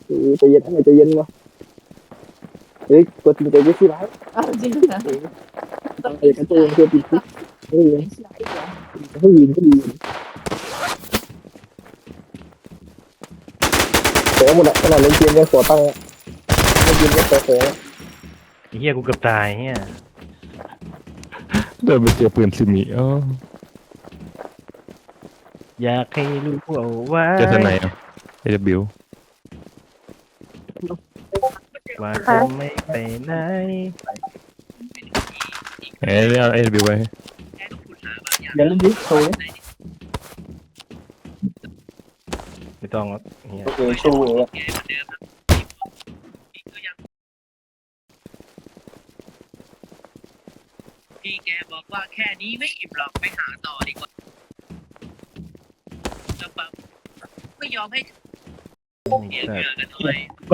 ใจเย็นให้ใจเย็นวะเฮ้ยกดติดใจไม่ใช่ไรเอาจริงนะไอ้กระโจนเพื่อติดคุกเฮ้ยไม่ใช่เหรอให้ยิงก็ดีแต่หมดอะขนาดเล่นเกมยังขอตั้งเล่นเกมยังขอไอ้เฮียกูเกือบตายเฮียเดินไปเจอปืนซิมิอยากให้รู้เอาไว้เจอทนายอ่ะAW ว่าจะไม่ไปไหนเอ้ยเอา AW ไว้เดี๋ยวเล่นดิโชว์ไม่ต้องหรอกเฮียโอเคโชว์เลยพี่แกบอกว่าแค่นี้ไม่อิ่มหรอกไปหาต่อดีกว่าแล้วปั๊บไม่ยอมให้เสียเหงื่อกันเลย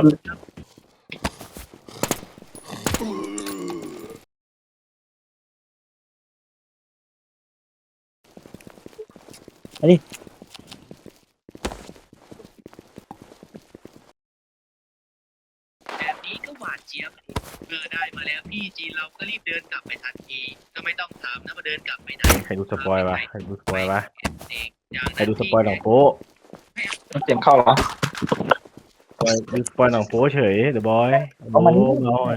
แบบนี้ก็หวานเจี๊ยบได้มาแล้วพี่จีนเราก็รีบเดินกลับไปทันทีก็ไม่ต้องถามนะว่าเดินกลับไปไหนใครดูสปอยวะใครดูสปอยวะเองอย่างใครดูสปอยหนังโป๊ะเสียงเข้าเหรอดูสปอยหนังโป๊เฉยเดอะบอยเอามานี่น้อย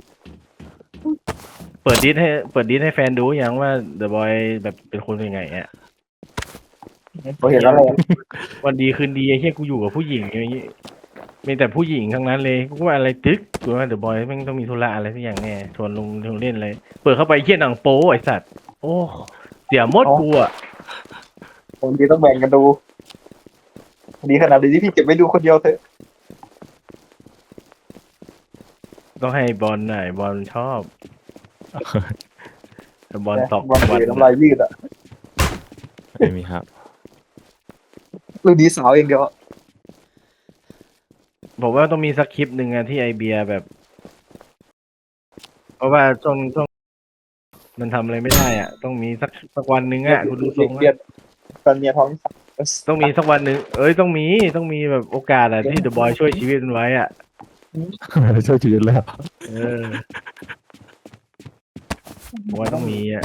เปิดดิสให้แฟนดูยังว่าเดอะบอยแบบเป็นคนยังไงอ่ะผมเห็นแล้วเลยวันดีคืนดีไอ้เหี้ยกูอยู่กับผู้หญิงอย่างงี้มีแต่ผู้หญิงทั้งนั้นเลยกูว่าอะไรตึ๊กกูว่าเดอะบอยแม่งต้องมีธุระอะไรสักอย่างแน่ชวนลงเล่นเลย เปิดเข้าไปไอ้เหี้ยหนังโป๊ไอ้สัตว์โอ้เสียหมดกูอ่ะผมดีต้องแบ่งกันดูดีขนาดนี้พี่เก็บไว้ดูคนเดียวเถอะต้องให้บอลหน่อยบอลชอบแต่บอลตอกบอลวันน้ำลายยืดอ่ะไม่มีครับลูกดีสาวเองเดียวผมว่าต้องมีสักคลิปหนึ่งอะที่ไอเบียแบบ เพราะว่าช่วงมันทำอะไรไม่ได้อ่ะ ต้องมีสักวันหนึ่งอ่ะกูดูทรงเรียนตอนเมียท้องต้องมีสักวันหนึ่งต้องมีแบบโอกาสอ่ะที่เดอะบอยช่วยชีวิตมันไว้อ่ะช่วยชีวิตแล้วผมว่าต้องมีอ่ะ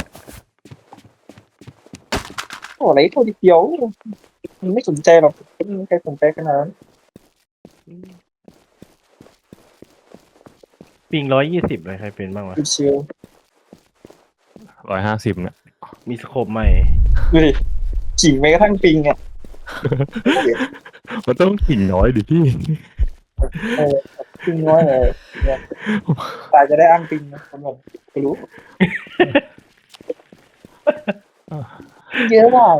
โอ้อะไรโทษเดียวมันไม่สนใจหรอกไม่มีใครสนใจขนาดนั้นปิง120เลยใครเป็นบ้างวะชิว 150เนี่ยมีสโคปใหม่ดูดิจิ๋งแม้กระทั่งปิงอ่ะมันต้องกิ่งน้อยดิพี่ปิงน้อยเลยเนี่ยตายจะได้อ้างปิงนะผมบอกไม่รู้เยอะมาก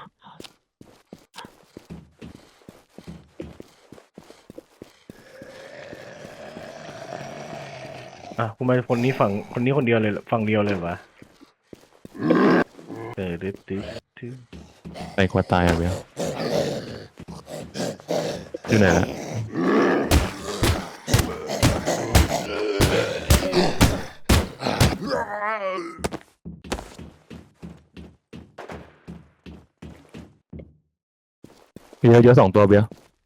คุณมาคนนี้คนเดียวเลยฝั่งเดียวเลยวะตึ๊ดไปกว่าตายอ่ะเบลอยู่ไหนละเยอะ2 ตัวเบล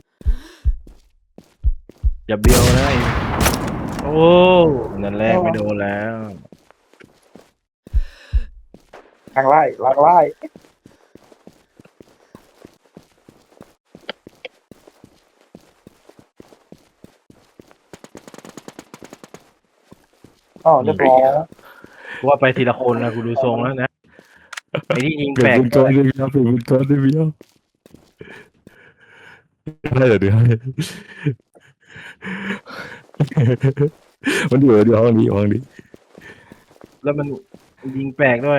อย่าเบี้ยวนะโอ้นั่นแรกไม่โดนแล้วลากไล่ลากไล่อ๋อเรียบร้อยว่าไปทีละคนนะกูดูทรงแล้วนะไอ้ที่ยิงเปลี่แปยลนกเป็นตัวได้เบลเปลี่ยนเป็นตัวได้เบลได้เดี๋ยวให้มันอยู่ห้องนี้แล้วมันยิงแปลกด้วย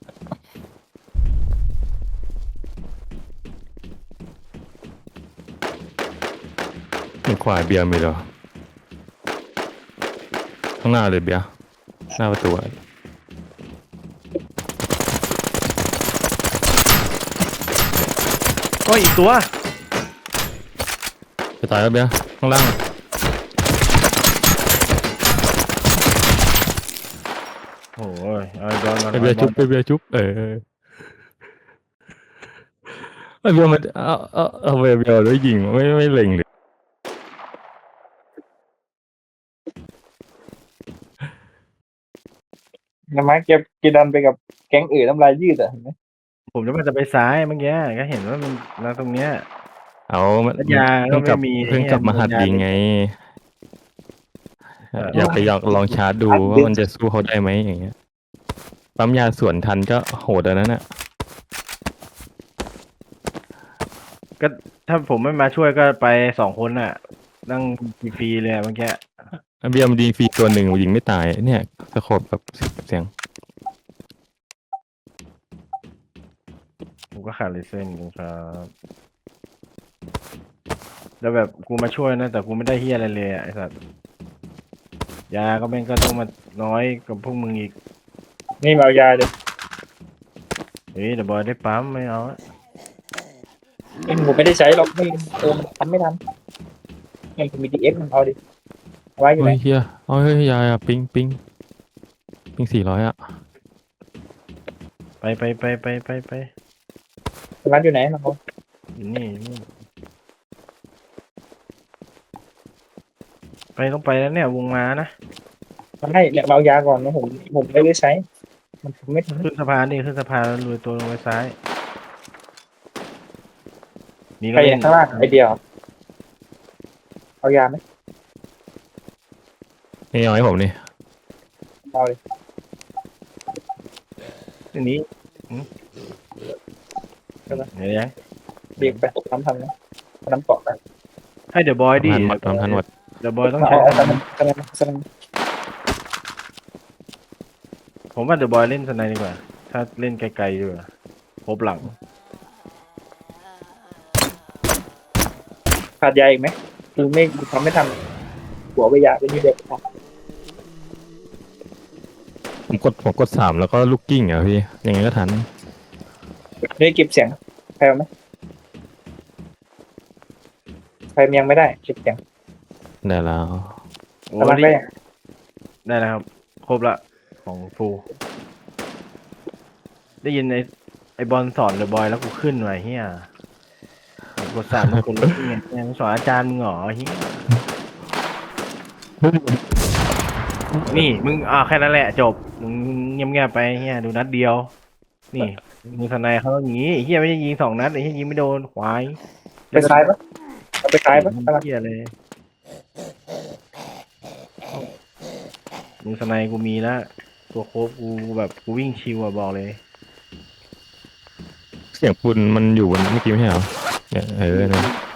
มันขวาเบียร์มีเหรอข้างหน้าเลยเบียร์หน้าประตูอะก็อีกตัวจะตายแล้วเบียร์ข้างล่างโอ้ยเอาบอลมาไปเบียร์จุ๊บไปเบียร์จุ๊บไอเบียร์มันเอาเบียร์ด้วยยิงไม่เล็งเลยน้ำมันเก็บดันไปกับแก๊งอื่นน้ำลายยืดอ่ะเห็นไหมผมจะไปซ้ายเมื่อกี้ก็เห็นว่ามันมาตรงเนี้ยเอามันแล้วยาก็เพิ่งกลับไม่มีเพิ่งกลับมาหัดยิงไง อยากไปลองชาร์จดูว่ามันจะสู้เขาได้ไหมอย่างเงี้ยปั๊มยาสวนทันก็โหดอันนั้นน่ะก็ถ้าผมไม่มาช่วยก็ไป2 คนน่ะ นั่งฟรีๆเลยเมื่อกี้เบียร์มันยิงฟรีตัวหนึ่งยิงไม่ตายเนี่ยสโคปแบบเสียงผมก็ขาดเลเซนครับแล้วแบบกูมาช่วยนะแต่กูไม่ได้เฮียอะไรเลยอะไอ้สัสยาก็แม่งก็ต้องมาน้อยกับพวกมึงอีกนี่มาเอายาเลยเฮ้ยเดี๋ยวบอยได้ปั๊มไม่เอาอะผมไม่ได้ใช้หรอกไม่มันทำไม่ทันยังมีดีเอสมันเอาดิเอาไว้อยู่ไหนเฮ้ยเฮียเอาเฮ้ยยายอะปิง400อ่ะไปร้านอยู่ไหนมันเอาอยู่นี่ต้องไปแล้วเนี่ยวงมานะมันให้เนี่ยมาเอายาก่อนนะผมไม่ได้ใช้ มันทำไม่ทันขึ้นสะพานขึ้นสะพานแล้วลุยตัวลงไปซ้ายนี่ใคก็รเล่นข้างล่างไอเดียวเอายาไหมนี่เอาให้ผมนี่เอาเลยอันนี้เดี๋ยวยังเบียกไปทำนะน้ำเกาะไปให้เดี๋ยวบอยดิทันหมดเดี๋ยวบอยต้องเอาใช้เอาสนันผมว่าเดี๋ยวบอยเล่นสไนด์ดีกว่า ถ้าเล่นไกลๆดีกว่าพบหลังขาดยาอีกไหมคือไม่ทำไม่ทันหัวไปยาไปนี่เด็กผมกด3แล้วก็ลูกกิ้งอ่ะพี่ยังไงก็ทันนี่เก็บเสียงใครเอาไหมใครยังไม่ได้เก็บเสียงได้แล้วโอ้กำลังได้ได้แล้วครับ ครบละของฟูได้ยินไอบอลสอนเดอะบอยแล้วกูขึ้นไว้เฮียกด3มันกดลบไงเนี่ยมึงสอนอาจารย์มึงเหรอเฮียนี่มึงแค่นั้นแหละจบมึงเงียบๆไปเฮียดูนัดเดียว นี่มึงทนายเขาอย่างงี้เฮียไม่ได้ยิง2 นัดไอ้เฮียยิงไม่โดนควายไปซ้ายปะเอาไปซ้ายปะกำลังเฮียเลยมึงทนายกูมีแล้วตัวโคบกูแบบกูวิ่งชิวอะบอกเลยเสียงปืนมันอยู่บนเมื่อกี้ไม่ใช่เหรอเนี่ยนะ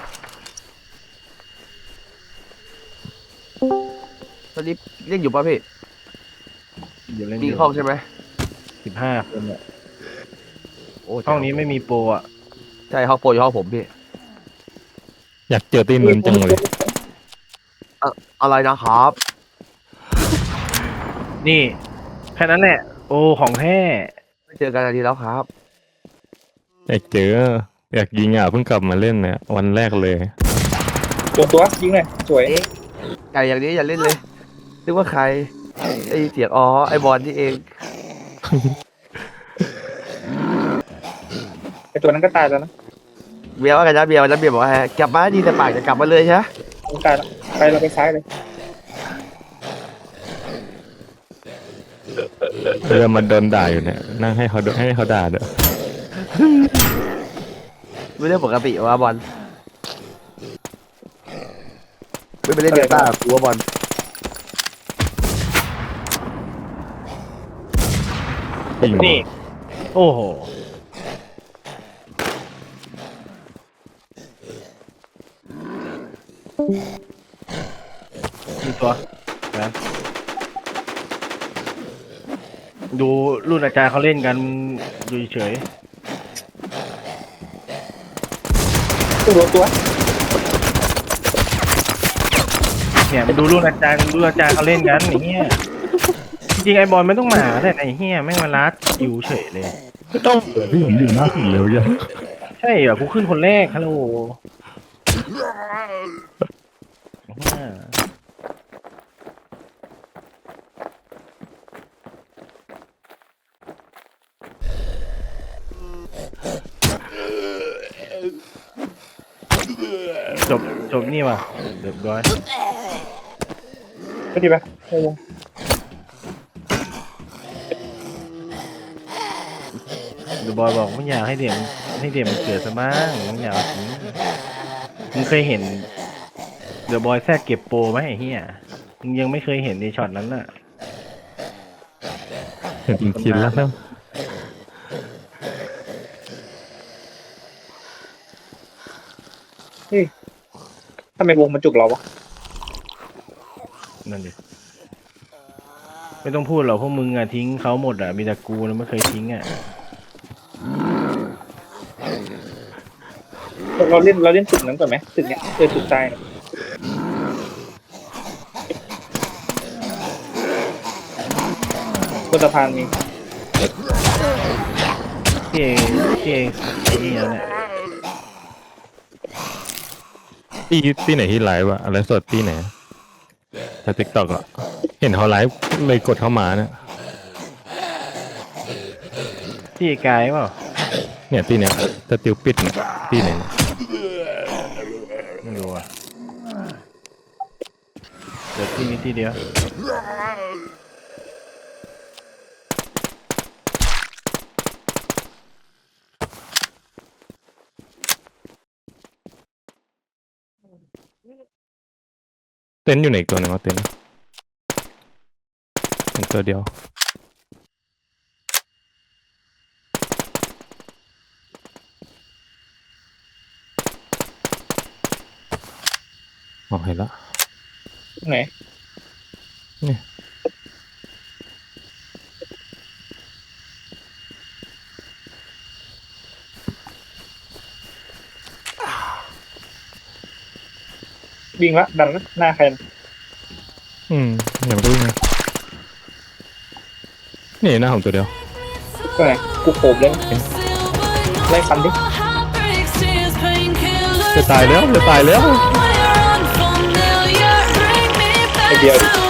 ตอนนี้เล่นอยู่ป่ะพี่เดี๋ยวเล่นมีห้องใช่ไหม 15 คนอะโอ้ห้องนี้ไม่มีโปรอะใช่ห้องโปรอยู่ห้องผมพี่อยากเจอตีนมันจังเลยอะไรนะครับนี่แค่นั้นแหละ โอ้ของแท้ไม่เจอกันนาทีแล้วครับอยากเจออยากยิงอ่ะเพิ่งกลับมาเล่นเนี่ยวันแรกเลยตัวยิงเลยสวยไก่อย่างนี้อย่าเล่นเลยนึกว่าใครไอเสียงอ๋อไอบอลที่เองไอตัวนั้นก็ตายแล้วนะเบียร์ว่าไงนะเบียร์วันนั้นเบียร์บอกว่าไงกลับมาดีแต่ปากจะกลับมาเลยใช่ไหมมันตายแล้วไปเราไปซ้ายเลยเรือมันโดนด่าอยู่เนี่ยนั่งให้เขาด่าเด้อไม่เรื่องปกติว่าบอลไม่ไปเล่นเดลต้ากูว่าบอลยิงนี่ โอ้โหมีตัวนะดูรุ่นอาจารย์เขาเล่นกันดูเฉยตัวเนี่ยมาดูรุ่นอาจารย์เขาเล่นกันอย่างเงี้ยจริงๆไอบอลไม่ต้องมาแต่ไอเฮียแม่งมาลัดอยู่เฉยเลยไม่ต้องพี่ผมอยู่หน้าสุดเลยยังใช่เหรอกูขึ้นคนแรกฮัลโหลจบนี่ว่ะเรียบร้อยก็ดีไปเดอะบอยบอกไม่อยากให้เด็กมันเกิดซะบ้างไม่อยากเอาทิ้งมึงเคยเห็นเดอะบอยแทรกเก็บโปรไหมไอ้เหี้ยมึงยังไม่เคยเห็นในช็อตนั้นน่ะเห็นเป็นชิ้นแล้วนะทำไมวงมันจุกเราวะนั่นดิไม่ต้องพูดหรอกพวกมึงอ่ะทิ้งเขาหมดอ่ะมีแต่กูนะไม่เคยทิ้งอ่ะเราเล่นตึกนั้นก่อนไหมตึกเนี้ยตึกใต้เนี่ยบนสะพานมีพี่เองไอ้นี่แล้วเนี่ยที่ไหนที่ไลฟ์วะอะไรสดที่ไหนแต่ติ๊กต็อกอะเห็นเขาไลฟ์เลยกดเข้ามาเนี่ยพี่กายเปล่าเนี่ยที่เนี้ยสติลปิดเนี่ยที่ไหนเนี่ยไม่รู้อ่ะเดี๋ยวที่นี้ที่เดียวเต็นท์อยู่ไหนอีกตัวหนึงวะเต็นท์เห็นตัวเดียวอ๋อเห็นละไหนเนี่ยวิ่งละดันละหน้าใครนะอย่ามาดูไงนี่หน้าผมตัวเดียวก็ไหนกูโขบเลยไล่ฟันดิจะตายแล้วไอเดียวดิ